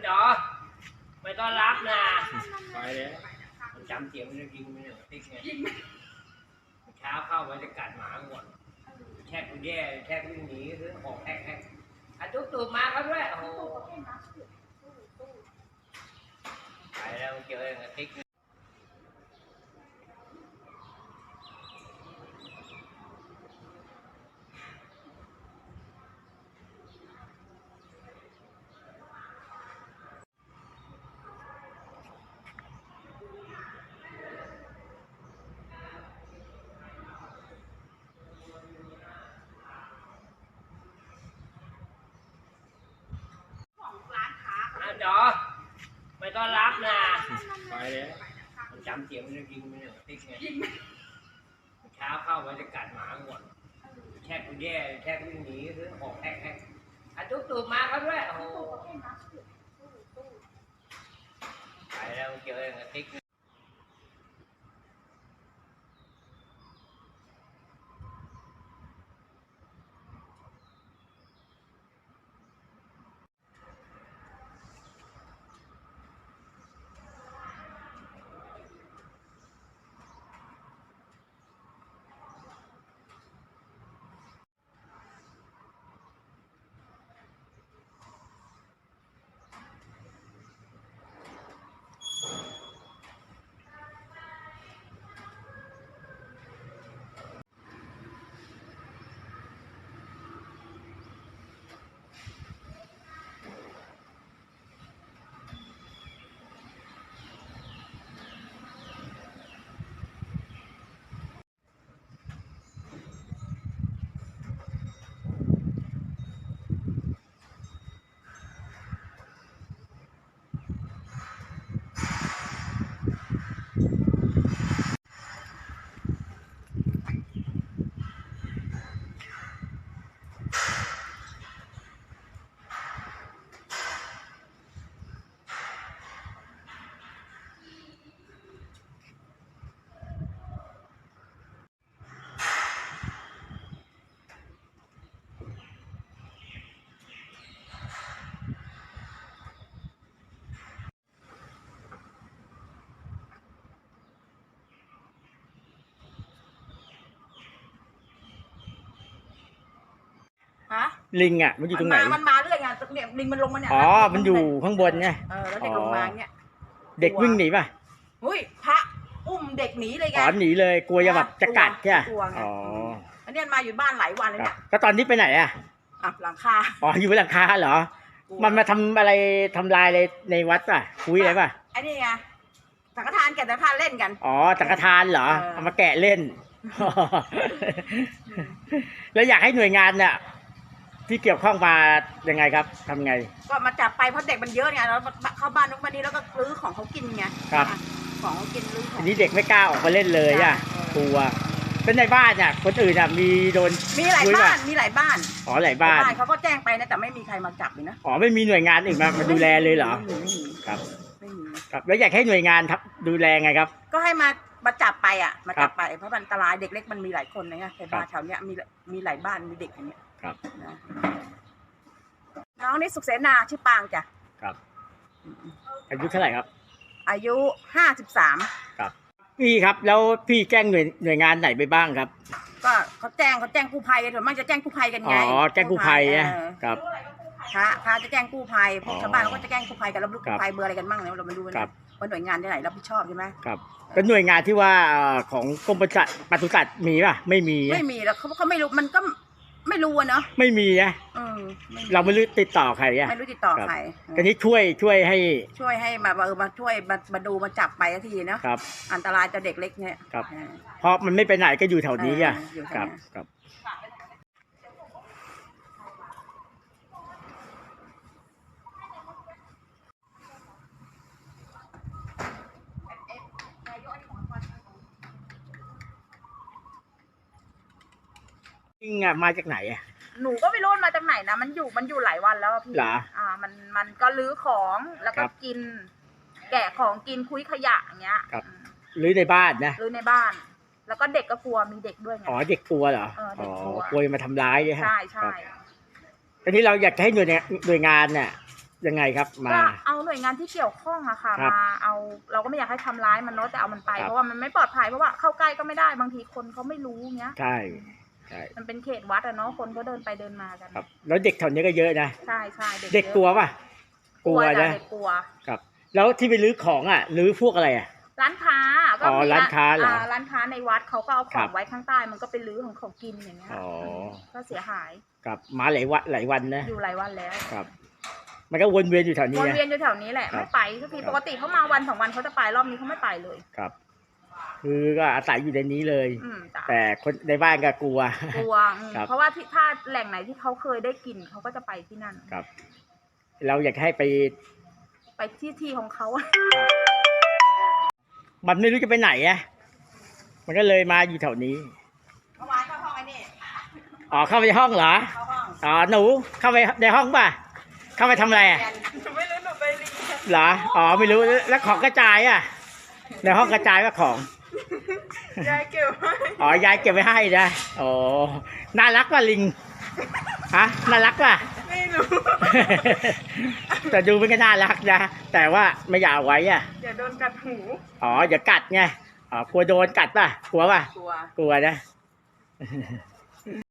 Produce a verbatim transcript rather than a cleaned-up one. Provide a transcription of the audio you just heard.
จอไม่ต้อนรับนะไปเลยมันจำเสียงมันจะยิงมันเนี่ยติ๊กไงเช้าเข้ามันจะกัดหมาก่อนแช่กูแย่แช่วิ่งหนีซื้อของแฮกแฮกอ่ะตุ๊กตู่มาครับด้วยโอ้โหไปแล้วเจอกับติ๊กจอไม่ต้อนรับนะไปเลยมันจำเสียงมันจะยิงมันเนี่ยติ๊กไงเช้าเข้ามันจะกัดหมาก่อนแช่กูแย่แช่วิ่งหนีซื้อของแฮกแฮกอ่ะตุ๊กตู่มาครับด้วยโอ้โหไปแล้วเจอกับติ๊กลิงอ่ะมันอยู่ตรงไหนมันมาเรื่อยไงเนี่ยลิงมันลงมาเนี่ยอ๋อมันอยู่ข้างบนไงเออแล้วเด็กลงมาเนี่ยเด็กวิ่งหนีป่ะอุ้ยพระอุ้มเด็กหนีเลยไงอ๋อหนีเลยกลัวจะแบบจะกัดใช่ไหมอ๋ออันนี้มาอยู่บ้านหลายวันเลยเนี่ยก็ตอนนี้ไปไหนอ่ะอ่ะหลังคาอ๋ออยู่บนหลังคาเหรอมันมาทำอะไรทำลายอะไรในวัดป่ะคุยอะไรป่ะไอ้นี่ไงสังฆทานแกะสังฆทานเล่นกันอ๋อสังฆทานเหรอเอามาแกะเล่นแล้วอยากให้หน่วยงานเนี่ยที่เกี่ยวข้องมายังไงครับทำไงก็มาจับไปเพราะเด็กมันเยอะไงแล้วเข้าบ้านนุ๊กมานี้แล้วก็รื้อของเขากินไงครับของเขากินรื้ออันนี้เด็กไม่กล้าออกมาเล่นเลยอ่ะกลัวเป็นในบ้านอ่ะคนอื่นอ่ะมีโดนมีหลายบ้านมีหลายบ้านอ๋อหลายบ้านเขาก็แจ้งไปนะแต่ไม่มีใครมาจับเลยนะอ๋อไม่มีหน่วยงานอื่นมามาดูแลเลยเหรอครับไม่มีครับแล้วอยากให้หน่วยงานดูแลไงครับก็ให้มามาจับไปอ่ะมาจับไปเพราะมันอันตรายเด็กเล็กมันมีหลายคนนะไงในบ้านแถวเนี้ยมีมีหลายบ้านมีเด็กอย่างเงี้ยครับน้องนี่สุขเสนาชื่อปางจ้ะครับอายุเท่าไหร่ครับอายุห้าสิบสามครับพี่ครับแล้วพี่แจ้งหน่วยหน่วยงานไหนไปบ้างครับก็เขาแจ้งเขาแจ้งกู้ภัยกันส่วนมากจะแจ้งกู้ภัยกันไงอ๋อแจ้งกู้ภัยนะครับพระพระจะแจ้งกู้ภัยพวกชาวบ้านเขาก็จะแจ้งกู้ภัยกันแล้วลูกกู้ภัยเบอร์อะไรกันบ้างเนี่ยเรามาดูกันว่าหน่วยงานที่ไหนรับผิดชอบใช่ไหมครับเป็นหน่วยงานที่ว่าของกรมปศุสัตว์ปศุสัตว์มีป่ะไม่มีไม่มีแล้วเขาเขาไม่รู้มันก็ไม่รู้เนาะไม่มีนะเราไม่รู้ติดต่อใครอ่ะไม่รู้ติดต่อใครทีนี้ช่วยช่วยให้ช่วยให้มาเออมาช่วยมามาดูมาจับไปทีเนาะครับอันตรายต่อเด็กเล็กเนี่ยครับเพราะมันไม่ไปไหนก็อยู่แถวนี้อ่ะครับครับลิงอ่ะมาจากไหนอ่ะหนูก็ไม่รู้มาจากไหนนะมันอยู่มันอยู่หลายวันแล้วพี่อ่ามันมันก็ลื้อของแล้วก็กินแกะของกินคุยขยะอย่างเงี้ยครับลื้อในบ้านนะลื้อในบ้านแล้วก็เด็กก็กลัวมีเด็กด้วยไงอ๋อเด็กกลัวเหรออ๋อกลัวมาทำร้ายใช่ไหมใช่ใช่ทีนี้เราอยากให้หน่วยหน่วยงานเนี่ยยังไงครับมาก็เอาหน่วยงานที่เกี่ยวข้องอะค่ะครับมาเอาเราก็ไม่อยากให้ทำร้ายมันเนาะแต่เอามันไปครับเพราะว่ามันไม่ปลอดภัยเพราะว่าเข้าใกล้ก็ไม่ได้บางทีคนเขาไม่รู้เงี้ยใช่ใช่มันเป็นเขตวัดอะเนาะคนก็เดินไปเดินมากันครับ แล้วเด็กแถวนี้ก็เยอะนะใช่ใช่เด็กเด็กยอะกลัวป่ะกลัวนะจ้ะเด็กกลัวครับ แล้วที่ไปรื้อของอ่ะรื้อพวกอะไรอ่ะร้านค้าก็อ๋อมีร้านค้าเหรอร้านค้าในวัดเขาก็เอาขครัองบไว้ข้างใต้มันก็เป็นรื้อของเขากินอย่างเงี้ยอ๋อก็เสียหายครับมาหลายวันหลายวันนะอยู่หลายวันแล้วครับ มันก็วนเวียนอยู่แถวนี้วนนะเวียนอยู่แถวนี้แหละครับไม่ไปทุกทีครับปกติเขามาวันสองวันเขาจะไปรอบนี้เขาไม่ไปเลยครับ คือก็อาศัยอยู่ในนี้เลยอืมจ้ะแต่คนในบ้านก็กลัวกลัวอืมครับเพราะว่าที่ถ้าแหล่งไหนที่เขาเคยได้กินเขาก็จะไปที่นั่นครับ เราอยากให้ไปไปที่ที่ของเขาอะมันไม่รู้จะไปไหนอ่ะ มันก็เลยมาอยู่แถวนี้เมื่อวานเข้าห้องไอ้นี่อ๋อเข้าไปในห้องเหรอเข้าห้องอ๋อหนูเข้าไปในห้องป่ะ เข้าไปทำอะไรอ่ะไม่รู้หนูไปรีเหรอ อ๋อไม่รู้แล้วของกระจายอ่ะ ในห้องกระจายว่าของยายเก็บไว้อ๋อยายเก็บไว้ให้นะโอ้น่ารักป่ะลิง ฮะ น่ารักป่ะไม่รู้แต่ดูมันก็น่ารักนะ แต่ว่าไม่อยากเอาไว้อ่ะอย่าโดนกัดหูอ๋ออย่ากัดไง อ๋อกลัวโดนกัดป่ะ กลัวป่ะกลัวกลัวนะ